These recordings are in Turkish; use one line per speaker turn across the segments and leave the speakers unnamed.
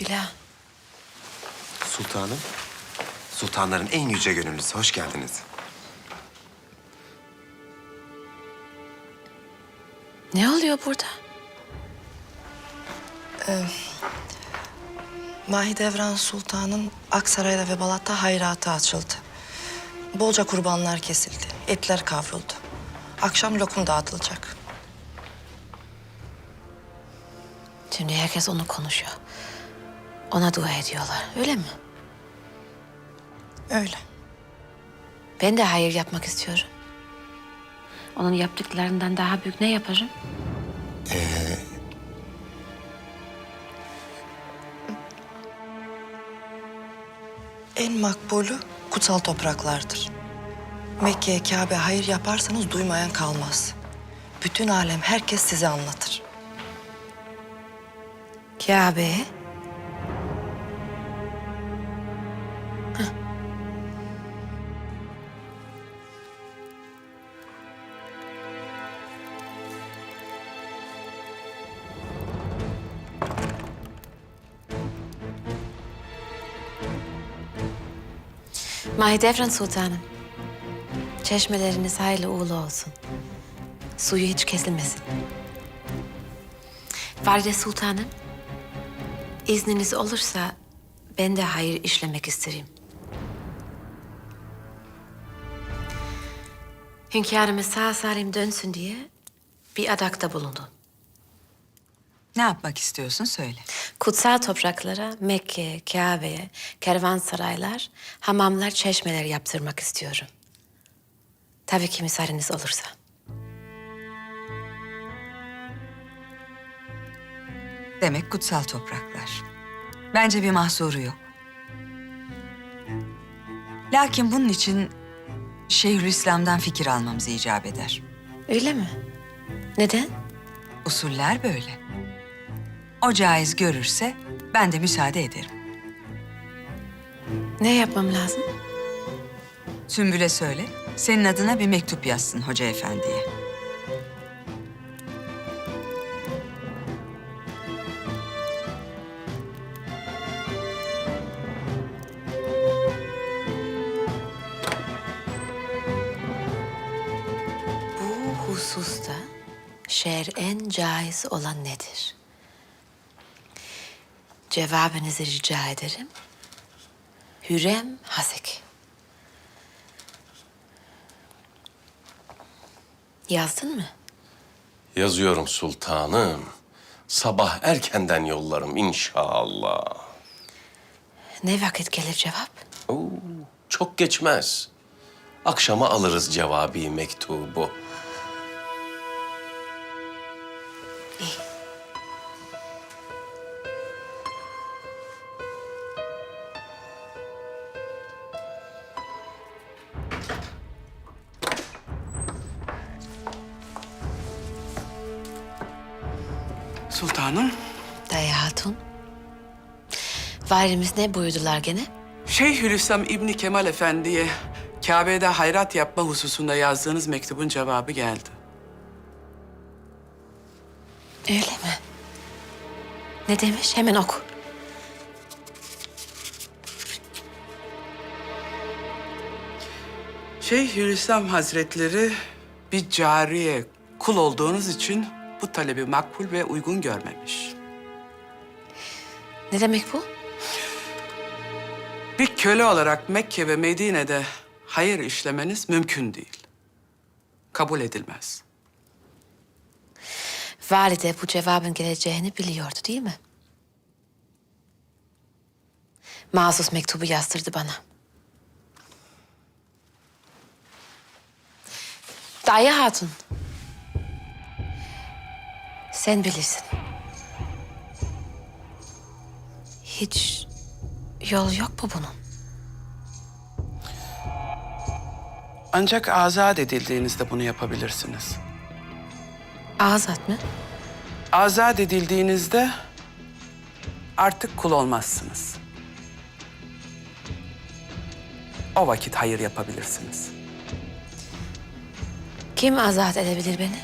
Dila.
Sultanım, sultanların en yüce gönüllüsü. Hoş geldiniz.
Ne oluyor burada?
Mahidevran Sultan'ın Aksaray'da ve Balat'ta hayratı açıldı. Bolca kurbanlar kesildi, etler kavruldu. Akşam lokum dağıtılacak.
Şimdi herkes onu konuşuyor. Ona dua ediyorlar, öyle mi?
Öyle.
Ben de hayır yapmak istiyorum. Onun yaptıklarından daha büyük ne yaparım?
En makbulü kutsal topraklardır. Mekke'ye, Kabe hayır yaparsanız duymayan kalmaz. Bütün alem, herkes size anlatır.
Kabe. Mahidevran Sultanım. Çeşmeleriniz hayırlı uğurlu olsun. Suyu hiç kesilmesin. Valide Sultanım, izniniz olursa ben de hayır işlemek isterim. Hünkârımız sağ salim dönsün diye bir adakta bulundum.
Ne yapmak istiyorsun söyle.
Kutsal topraklara, Mekke, Kabe'ye, kervansaraylar, hamamlar, çeşmeler yaptırmak istiyorum. Tabii ki müsaadeniz olursa.
Demek kutsal topraklar. Bence bir mahsuru yok. Lakin bunun için Şeyhülislam'dan fikir almamız icap eder.
Öyle mi? Neden?
Usuller böyle. O caiz görürse ben de müsaade ederim.
Ne yapmam lazım?
Sümbül'e söyle, senin adına bir mektup yazsın Hoca Efendi'ye.
Bu hususta şer'en caiz olan nedir? Cevabınızı rica ederim. Hürrem Hasek. Yazdın mı?
Yazıyorum sultanım. Sabah erkenden yollarım inşallah.
Ne vakit gelir cevap?
Oo, çok geçmez. Akşama alırız cevabi mektubu.
İyi.
Sultanım,
Dayı Hatun. Valimiz ne buyurdular gene?
Şeyhülislam İbni Kemal Efendi'ye Kabe'de hayrat yapma hususunda yazdığınız mektubun cevabı geldi.
Öyle mi? Ne demiş? Hemen oku.
Şeyhülislam Hazretleri bir cariye, kul olduğunuz için bu talebi makbul ve uygun görmemiş.
Ne demek bu?
Bir köle olarak Mekke ve Medine'de hayır işlemeniz mümkün değil. Kabul edilmez.
Valide bu cevabın geleceğini biliyordu değil mi? Mahsus mektubu yazdırdı bana. Dayı Hatun. Sen bilirsin. Hiç yol yok mu bunun?
Ancak azat edildiğinizde bunu yapabilirsiniz.
Azat mı?
Azat edildiğinizde artık kul olmazsınız. O vakit hayır yapabilirsiniz.
Kim azat edebilir beni?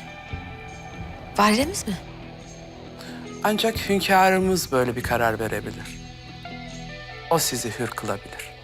Validemiz mi?
Ancak hünkârımız böyle bir karar verebilir. O sizi hür kılabilir.